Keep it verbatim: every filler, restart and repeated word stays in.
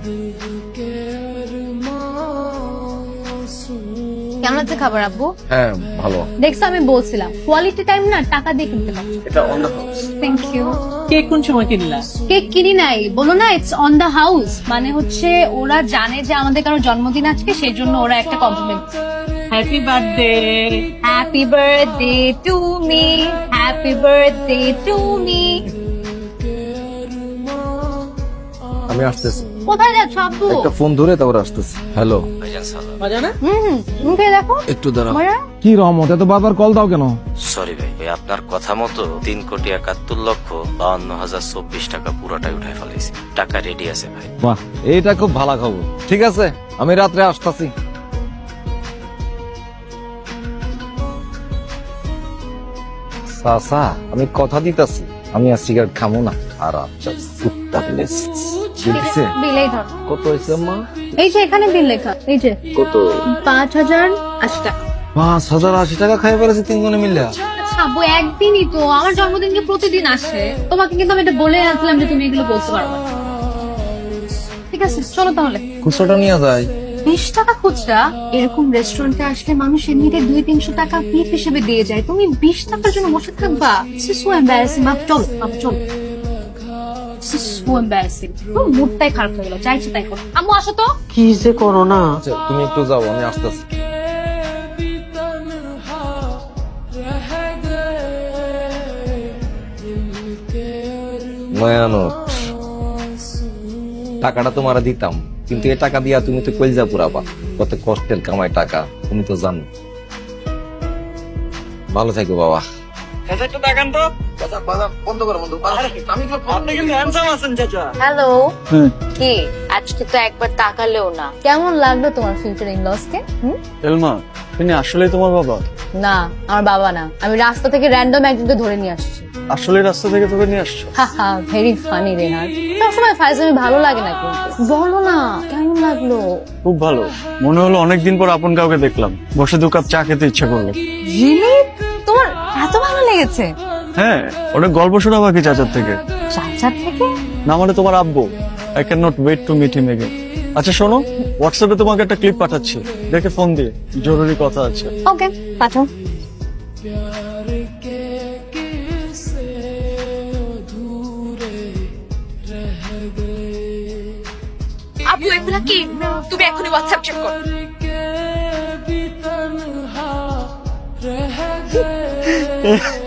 কেমন আছে খাবার আব্বু? হ্যাঁ ভালো। দেখছো আমি বলছিলাম কোয়ালিটি টাইম না টাকা দিয়ে কিনতে হবে। এটা on the house. Thank you. Cake কোন সময় কিনলা? কেক কিনি নাই, বলো না ইটস অন দ্য হাউস, মানে হচ্ছে ওরা জানে যে আমাদের কারো জন্মদিন আজকে, সেই জন্য ওরা একটা compliment. Happy birthday. Happy birthday to me, happy birthday to me. আমি আসতেছি। কোথায় যাচ্ছ আব্বু? একটা ফোন ধরে তারপর আসতেছি। হ্যালো। মজা না? হুম হুম মুখে দেখো। একটু দাঁড়াও। মজা? কি রহমত, এত বারবার কল দাও কেন? সরি ভাই ভাই, আপনার কথা মতো তিন কোটি একাত্তর লক্ষ বাউন্ন হাজার চব্বিশ টাকা পুরোটাই উঠাই ফেলেছি। টাকা রেডি আছে ভাই। বাহ, এইটা খুব ভালো খবর। ঠিক আছে, আমি রাত্রে আসতেছি। সাসা, আমি কথা দিতাছি আমি আর সিগারেট খামো না। আর আচ্ছা কুত্তা প্লেস দিছে। বিলেই ধর। কত হয়েছে মা? এই যে এখানে বিল লেখা, এই যে কত? পাঁচ হাজার আশি টাকা। পাঁচ হাজার আশি টাকা খাই ফেলেছে তিনজনে মিলে। আচ্ছা আব্বু, একদিনই তো, আমার জন্মদিন কি প্রতিদিন আসে? তোমাকে কিন্তু আমি এটা বলে আসলাম যে তুমি এগুলো বলতে পারবে না। ঠিক আছে চলো তাহলে। খুচরাটা নিয়ে যায়। বিশ টাকা খুচরা? এরকম রেস্টুরেন্টে আসলে মানুষ এমনিতে দুই তিনশো টাকা টিপ হিসেবে দিয়ে যায়, তুমি বিশ টাকার জন্য বসে থাকবা? So embarrassing. মাপ চলো, মাপ চলো। So embarrassing. মুডটাই খারাপ হয়ে গেল, চাইছে তাই করো। আম্মু আসো তো। কি যে করো না। আচ্ছা, তুমি একটু যাও, আমি আসতেছি। মায়ানট, টাকাটা তোমার দিতাম, কিন্তু এ টাকা দিয়া তুমি তো কলজা পুরাবা। কত কষ্টের কামাই টাকা, তুমি তো জানো। ভালো থাকো বাবা। একটু তাকান তো। বন্ধ করো বন্ধু। আপনি কিন্তু হ্যান্ডসাম আছেন চাচা। হ্যালো। কি আজকে তো একবার তাকালেও না। কেমন লাগলো তোমার ফিউচার ইন লস কে? এলমা, তিনি আসলে তোমার বাবা? না, আমার বাবা না, আমি রাস্তা থেকে র্যান্ডম একজনকে ধরে নিয়ে আসছি। আসলে রাস্তা থেকে তোকে নিয়ে আসছো? হাহা, ভেরি ফানি রেহান। সবসময় ফাইজলামি ভালো লাগে না, কিন্তু বলো না কেমন লাগলো? খুব ভালো। মনে হলো অনেকদিন পর আপন কাউকে দেখলাম। বসে দু কাপ চা খেতে ইচ্ছে করলো। রিলি? তোমার এত ভালো লেগেছে? হ্যাঁ, অনেক গল্প শোনা বাকি চাচার থেকে। চাচার থেকে? না মানে তোমার আব্বু। I can not wait to meet him again. আচ্ছা শোনো, হোয়াটসঅ্যাপে তোমাকে একটা ক্লিপ পাঠাচ্ছি, দেখে ফোন দিয়ে, জরুরি কথা আছে। ওকে পাঠাও। আপু এগুলা কি? তুমি এখনই হোয়াটসঅ্যাপ চেক করো।